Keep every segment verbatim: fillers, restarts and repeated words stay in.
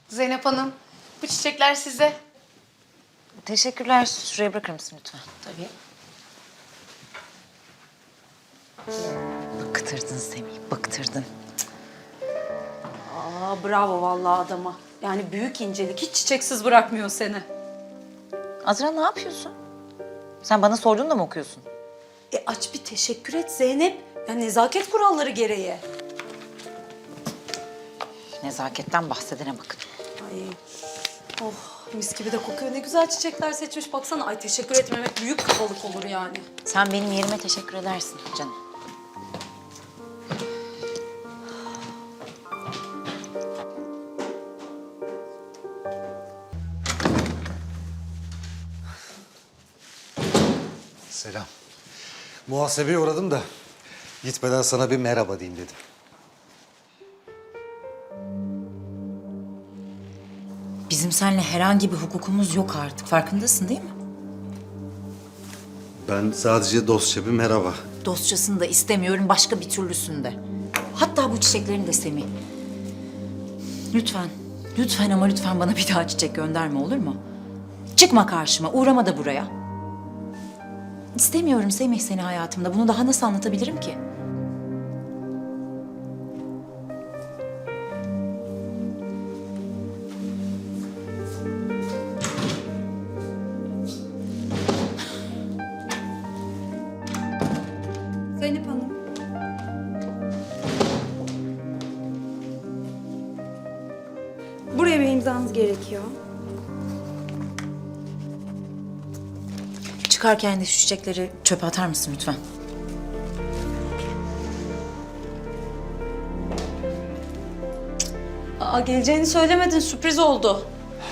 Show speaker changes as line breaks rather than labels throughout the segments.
Zeynep Hanım, bu çiçekler size.
Teşekkürler. Şuraya bırakır mısın lütfen?
Tabii.
Bıktırdın Semih, bıktırdın.
Aa, bravo vallahi adama. Yani büyük incelik, hiç çiçeksiz bırakmıyor seni.
Azra ne yapıyorsun? Sen bana sorduğunda mı okuyorsun?
E aç bir teşekkür et Zeynep. Ya nezaket kuralları gereği.
Nezaketten bahsedene bakın.
Ay, oh mis gibi de kokuyor. Ne güzel çiçekler seçmiş. Baksana, ay teşekkür etmemek büyük kabalık olur yani.
Sen benim yerime teşekkür edersin canım.
Selam. Muhasebeye uğradım da gitmeden sana bir merhaba diyeyim dedim.
Bizim seninle herhangi bir hukukumuz yok artık. Farkındasın değil mi?
Ben sadece dostça bir merhaba.
Dostçasını da istemiyorum, başka bir türlüsünde. Hatta bu çiçeklerin de Semih. Lütfen, lütfen ama lütfen bana bir daha çiçek gönderme, olur mu? Çıkma karşıma, uğrama da buraya. İstemiyorum Semih seni hayatımda. Bunu daha nasıl anlatabilirim ki?
Zeynep Hanım.
Buraya bir imzanız gerekiyor.
Çıkarken de şu çiçekleri çöpe atar mısın lütfen?
Aa, geleceğini söylemedin, sürpriz oldu.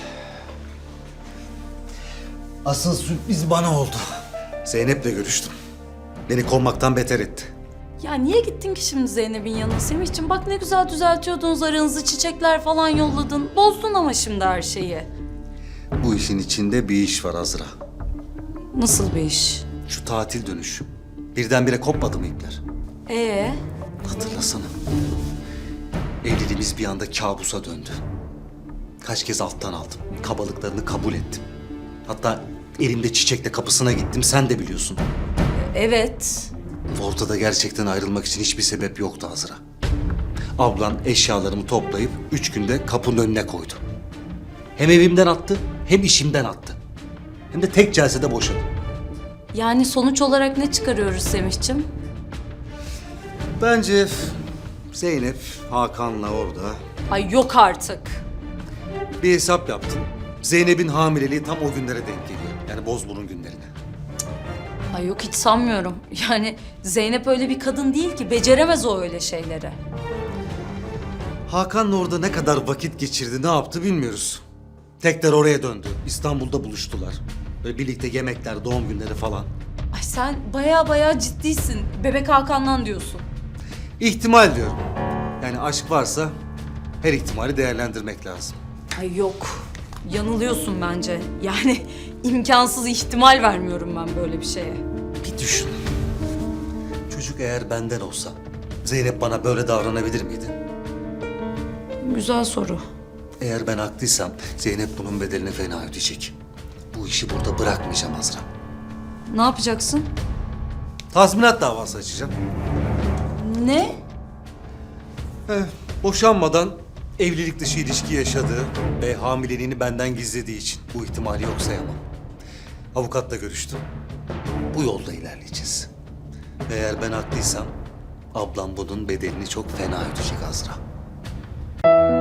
Asıl sürpriz bana oldu. Zeynep'le görüştüm. Beni kovmaktan beter etti.
Ya niye gittin ki şimdi Zeynep'in yanına Semihciğim? Bak ne güzel düzeltiyordunuz aranızı, çiçekler falan yolladın. Bozdun ama şimdi her şeyi.
Bu işin içinde bir iş var Azra.
Nasıl bir iş?
Şu tatil dönüşü. Birdenbire kopmadı mı ipler?
Ee?
Hatırlasana. Evliliğimiz bir anda kabusa döndü. Kaç kez alttan aldım. Kabalıklarını kabul ettim. Hatta elimde çiçekle kapısına gittim. Sen de biliyorsun.
Evet.
Ortada gerçekten ayrılmak için hiçbir sebep yoktu Azra. Ablan eşyalarımı toplayıp üç günde kapının önüne koydu. Hem evimden attı hem işimden attı. Hem de tek celsede boşadı.
Yani sonuç olarak ne çıkarıyoruz Semihciğim?
Bence Zeynep Hakan'la orada
Ay yok artık.
bir hesap yaptım. Zeynep'in hamileliği tam o günlere denk geliyor. Yani Bozburun günlerine.
Ay yok, hiç sanmıyorum. Yani Zeynep öyle bir kadın değil ki, beceremez o öyle şeyleri.
Hakan'la orada ne kadar vakit geçirdi, ne yaptı bilmiyoruz. Tekrar oraya döndü. İstanbul'da buluştular. Böyle birlikte yemekler, doğum günleri falan.
Ay sen baya baya ciddisin. Bebek Hakan'dan diyorsun.
İhtimal diyorum. Yani aşk varsa her ihtimali değerlendirmek lazım.
Ay yok. Yanılıyorsun bence. Yani imkansız, ihtimal vermiyorum ben böyle bir şeye.
Bir düşün. Çocuk eğer benden olsa Zeynep bana böyle davranabilir miydi?
Güzel soru.
Eğer ben haklıysam Zeynep bunun bedelini fena ödeyecek. Bu işi burada bırakmayacağım Azra.
Ne yapacaksın?
Tazminat davası açacağım.
Ne?
Eh, boşanmadan evlilik dışı ilişki yaşadığı ve hamileliğini benden gizlediği için bu ihtimali yok sayamam. Avukatla görüştüm. Bu yolda ilerleyeceğiz. Ve eğer ben haklıysam ablam bunun bedelini çok fena ödeyecek Azra.